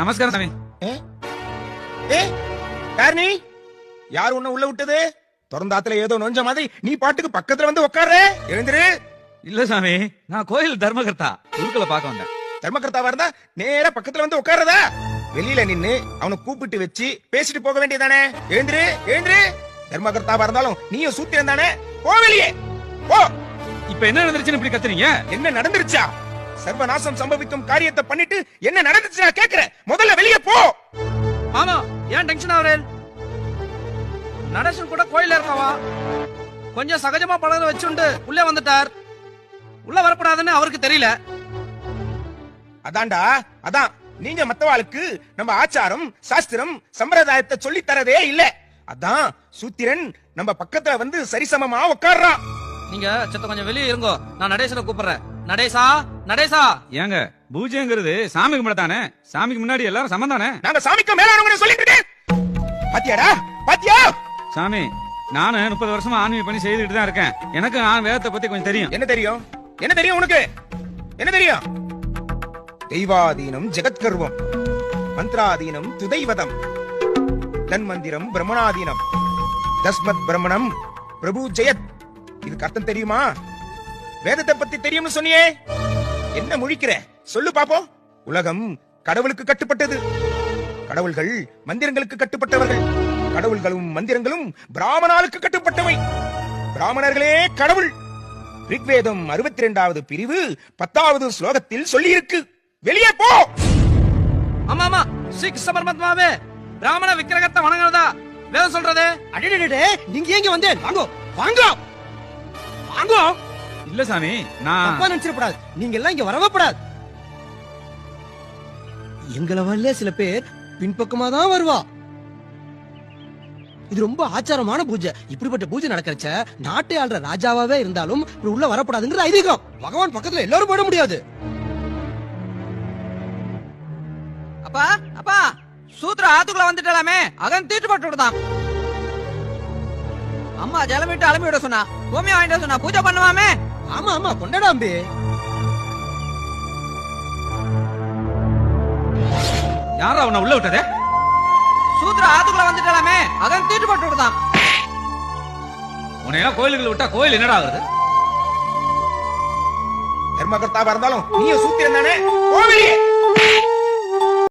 நமஸ்காரம் சாமி. யார் நீ? யார் உன்ன உள்ள விட்டது? திறந்தாத்துல ஏதோ நொஞ்ச மாதிரி நீ பாட்டுக்கு பக்கத்துல வந்து உட்கார்ற. எழுந்திரு. இல்ல சாமி, நான் கோயில் தர்மகர்த்தா, குருக்களை பார்க்க வந்தேன். தர்மகர்த்தாவா இருந்தா நேரா பக்கத்துல வந்து உட்கார்றதா? வெளியில நின்னு அவனை கூப்பிட்டு வச்சு பேசிட்டு போக வேண்டியதானே? எழுந்திரு, எழுந்திரு. தர்மகர்த்தாவா இருந்தாலும் நீயும் சூத்திரம் தானே? போ வெளியே போ. இப்ப என்ன நடந்துருச்சுன்னு இப்படி கத்துறீங்க? என்ன நடந்துருச்சா? சர்வநாசம் சம்பவிக்கும் காரியத்தை பண்ணிட்டு என்ன நடந்துச்சு நான் கேக்குறேன். முதல்ல வெளியே போ. ஆமா, ஏன் டென்ஷன் ஆவறேன்? நடேசன் கூட கோயில்ல இருக்கவா கொஞ்சம் சகஜமா பழக வச்சுண்டு உள்ளே வந்துட்டார். உள்ள வரப்படாதுன்னு அவருக்கு தெரியல. அதான்டா, அதான் நீங்க மத்தவாளுக்கு நம்ம ஆச்சாரம் சாஸ்திரம் சம்பிரதாயத்தை சொல்லி தரதே இல்ல. அதான் சூத்திரன் நம்ம பக்கத்துல வந்து சரிசமமா உட்கார்றான். நீங்க சத்த கொஞ்சம் வெளியே இருங்கோ, நான் நடேசனை கூப்பிடுறேன். நடேசா, நடேசா. ஏங்க, பூஜைங்கிறது சாமி கும்பிடத்தானே? சாமிக்கு முன்னாடி எல்லாரும் சமம் தானே? நாங்க சாமிக்கு மேல சொல்லிட்டு இருக்கேன். பாத்தியாடா, பாத்தியா? சாமி, நானு 30 வருஷமா ஆன்மீக பணி செய்துட்டு தான் இருக்கேன். எனக்கு நான் வேதத்தை பத்தி கொஞ்சம் தெரியும். என்ன தெரியும்? என்ன தெரியும் உனக்கு? என்ன தெரியும்? தெய்வாதீனம் ஜெகத்கர்வம், மந்திராதீனம் துதைவதம், தன்மந்திரம் பிரம்மணாதீனம், தஸ்மத் பிரம்மணம் பிரபு ஜெயத். இதுக்கு அர்த்தம் தெரியுமா? வேதத்தை பத்தி தெரியும்னு சொன்னியே, என்ன முழிக்கிற? சொல்லு பாப்போம். உலகம் கடவுளுக்கு கட்டுப்பட்டது. கடவுள்கள் மந்திரங்களுக்கு கட்டுப்பட்டவர்கள். கடவுள்களும் மந்திரங்களும் பிராமணாளுக்கு கட்டுப்பட்டவை. பிராமணர்களே கடவுள். ரிக்வேதம் 62வது பிரிவு 10வது ஸ்லோகத்தில் சொல்லி இருக்கு. வெளியே போ. ஆமா ஆமா, ஸ்ரீகிருஷ்ண பரமாத்மாவே பிராமண விக்கிரகத்தை வணங்குறதா வேதம் சொல்றது. அடடே, நீங்க எங்க வந்தேன்? வாங்கோ வாங்கோ வாங்கோ. இல்ல சாமி, நான் தப்பா நினைச்சிடப்படாது. நீங்க எல்லாம் இங்க வரவப்படாது. எங்களை வரல சில பேர் பின்பக்கமா தான் வருவா. இது ரொம்ப ஆச்சாரமான பூஜை. இப்படிப்பட்ட பூஜை நடக்கிறச்ச நாட்டை ஆள்ற ராஜாவாவே இருந்தாலும் உள்ள வரப்படாதுங்கிற ஐதீகம். பகவான் பக்கத்துல எல்லாரும் போட முடியாது. அப்பா அப்பா, சூத்திர ஆத்துக்குள்ள வந்துட்டலாமே, அகன் தீட்டு போட்டு விடுதான். அம்மா ஜலமிட்டு அலம்பி விட சொன்னா, பூமி வாங்கிட்டு சொன்னா, பூஜை பண்ணுவாமே. ஆமா ஆமா, கொண்டாடாம்பே. யாரா உன்னை உள்ள விட்டதே? சூத்திர ஆத்துக்குள்ள வந்துட்டலாமே, அகன் தீட்டு போட்டு விடுதான். உன்னையெல்லாம் கோயிலுக்குள்ள விட்டா கோயில் என்னடா ஆகுது? தர்மகர்த்தாவா இருந்தாலும் நீயும் சூத்திரம் தானே? போ வெளியே.